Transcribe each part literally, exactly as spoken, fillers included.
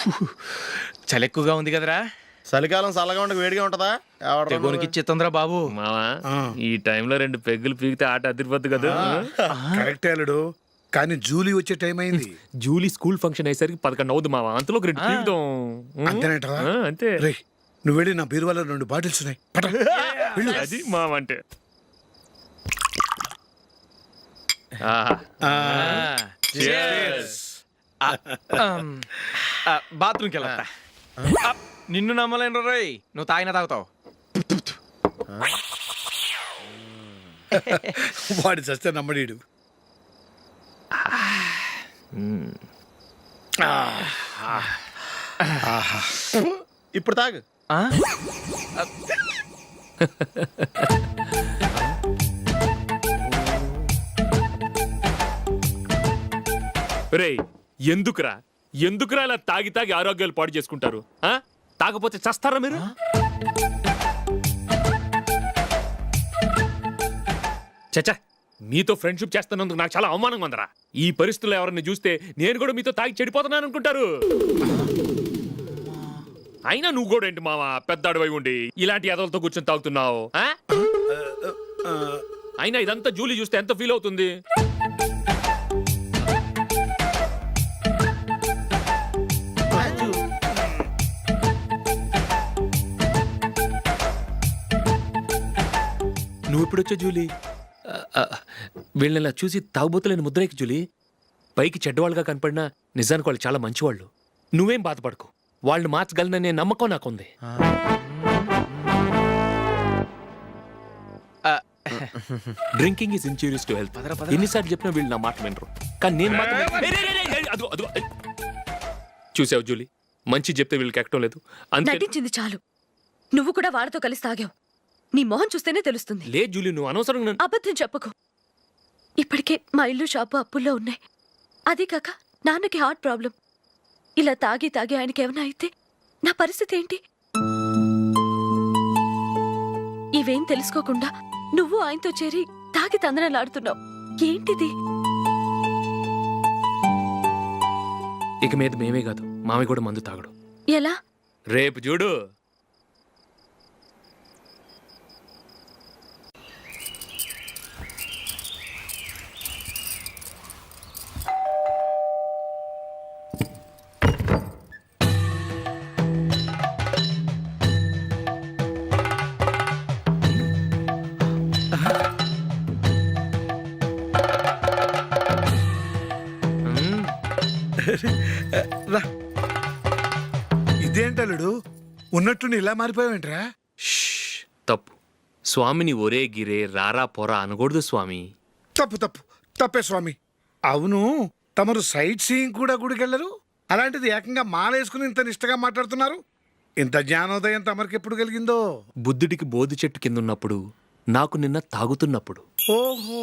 చలి ఎక్కువగా ఉంది కదరా. చలికాలం చల్లగా ఉండక వేడిగా ఉంటదా? తెగోనికి చిత్తంద్రా బాబు. మావా ఈ టైంలో రెండు పెగ్గులు పీకితే ఆట అదిరిపోద్దు కదా. కరెక్ట్ అల్లుడు, కానీ జూలీ వచ్చే టైం అయింది. జూలీ స్కూల్ ఫంక్షన్ అయ్యేసరికి పదకొండు అవుద్దు మావా, అంతలో రెండు పీకుతాం. అంతేనేటరా? అంతే. రే నువ్వు వెళ్ళి నా బీరువాలో రెండు బాటిల్స్ ఉన్నాయి, పట. వెళ్ళు. అది మావా అంటే. బాత్రూమ్కి వెళ్ళా. నిన్ను నమ్మలేను రోయ్, నువ్వు తాగినా తాగుతావు. వాడి చస్తే నమ్మడీడు. ఇప్పుడు తాగు. రేయ్ ఎందుకురా ఎందుకురా ఇలా తాగి తాగి ఆరోగ్యాలు పాడు చేసుకుంటారు? తాగపోతే చస్తారా మీరు? చచ్చా, మీతో ఫ్రెండ్షిప్ చేస్తున్నందుకు నాకు చాలా అవమానంగా ఉందరా. ఈ పరిస్థితుల్లో ఎవరిని చూస్తే నేను కూడా మీతో తాగి చెడిపోతున్నాను అనుకుంటారు. అయినా నువ్వు కూడా ఏంటి మావా, పెద్ద అడవై ఉండి ఇలాంటి ఎదలతో కూర్చొని తాగుతున్నావు? అయినా ఇదంతా జూలీ చూస్తే ఎంత ఫీల్ అవుతుంది? నువ్వు ఇప్పుడొచ్చా జూలీ? వీళ్ళని చూసి తాగుబోతులేని ముద్రేకి జూలీ. పైకి చెడ్డవాళ్ళుగా కనపడినా నిజానికి వాళ్ళు చాలా మంచివాళ్ళు. నువ్వేం బాధపడకు, వాళ్ళని మార్చగలననే నమ్మకం నాకుంది. Drinking is injurious to health. ఎన్నిసార్లు చెప్పినా వీళ్ళు నా మాట వినరు, కానీ నేను మాత్రం. చూసావు జూలీ, మంచి చెప్తే వీళ్ళకి ఎక్కడం లేదు. నటించింది చాలు. నువ్వు కూడా వాళ్ళతో కలిసి తాగావు. నీ మొహం చూస్తేనే తెలుస్తుంది. లే జూలీ, నువ్వు అనవసరంగా. అబద్ధం చెప్పకు. ఇప్పటికే మా ఇల్లు షాపు అప్పుల్లో ఉన్నాయి. అదే కాక నాన్నకి హార్ట్ ప్రాబ్లం. ఇలా తాగి తాగి ఆయనకి ఏమైనా అయితే నా పరిస్థితి ఏంటి? ఇవేం తెలుసుకోకుండా నువ్వు ఆయనతో చేరి తాగి తందనలాడుతున్నావు. ఏంటిది? ఇక మీద మేమే కాదు, మామి కూడా మందు తాగడు. ఎలా? రేపు చూడు. ఇదేంటలుడు, ఉన్నట్టు ఇలా మారిపోయావేంట్రా? తప్పు స్వామిని ఒరే గిరే రారా పోరా అనకూడదు స్వామి. తప్పు తప్పు తప్పే స్వామి. అవును, తమరు సైట్ సీయింగ్ కూడా గుడికెళ్ళరు, అలాంటిది ఏకంగా మాలేసుకుని ఇంత నిష్టగా మాట్లాడుతున్నారు. ఇంత జ్ఞానోదయం తమరికి ఎప్పుడు కలిగిందో? బుద్ధుడికి బోధి చెట్టు కింద ఉన్నప్పుడు, నాకు నిన్న తాగుతున్నప్పుడు. ఓహో.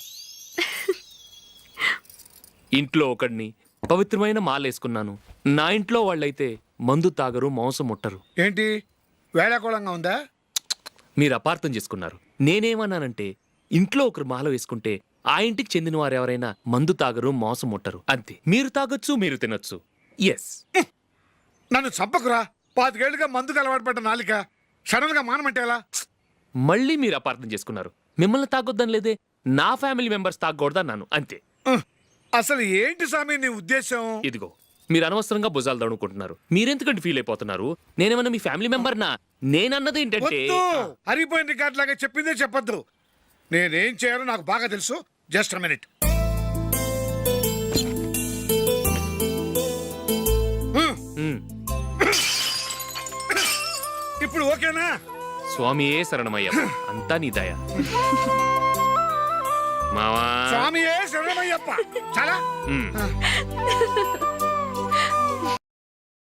ఇంట్లో ఒకడిని పవిత్రమైన మాలేసుకున్నాను. నా ఇంట్లో వాళ్ళైతే మందు తాగరు, మాంసం ముట్టరు. ఏంటి వేళాకోళంగా ఉందా? మీరు అపార్థం చేసుకున్నారు. నేనేమన్నానంటే, ఇంట్లో ఒకరు మాల వేసుకుంటే ఆ ఇంటికి చెందిన వారు ఎవరైనా మందు తాగరు, మాంసం ముట్టరు, అంతే. మీరు తాగొచ్చు, మీరు తినొచ్చు. ఎస్. నన్ను చంపకురా. పాతికేళ్లుగా మందుకు అలవాటు పడ్డ నాలిక సడన్ గా మానమంటే ఎలా? మళ్ళీ మీరు అపార్థం చేసుకున్నారు. మిమ్మల్ని తాగొద్దని లేదే, నా ఫ్యామిలీ మెంబర్స్ తాగకూడదన్నాను, అంతే. అసలు ఏంటి స్వామి నీ ఉద్దేశం? ఇదిగో, మీరు అనవసరంగా భుజాలు దడుకుంటున్నారు. మీరెందుకంటే ఫీల్ అయిపోతున్నారు? నేనేమన్నా మీ ఫ్యామిలీ మెంబర్ నా? నేనన్నది ఏంటంటే, హరిపోయిన రికార్డ్ లాగా చెప్పిందే చెప్పొద్దు. నేనేం చేయాలో నాకు బాగా తెలుసు. Just minute. ఇప్పుడు ఓకేనా? స్వామియే శరణమయ్య, అంతా నీ దయ. మావా స్వామియే శరణమయ్యప్ప. చాలా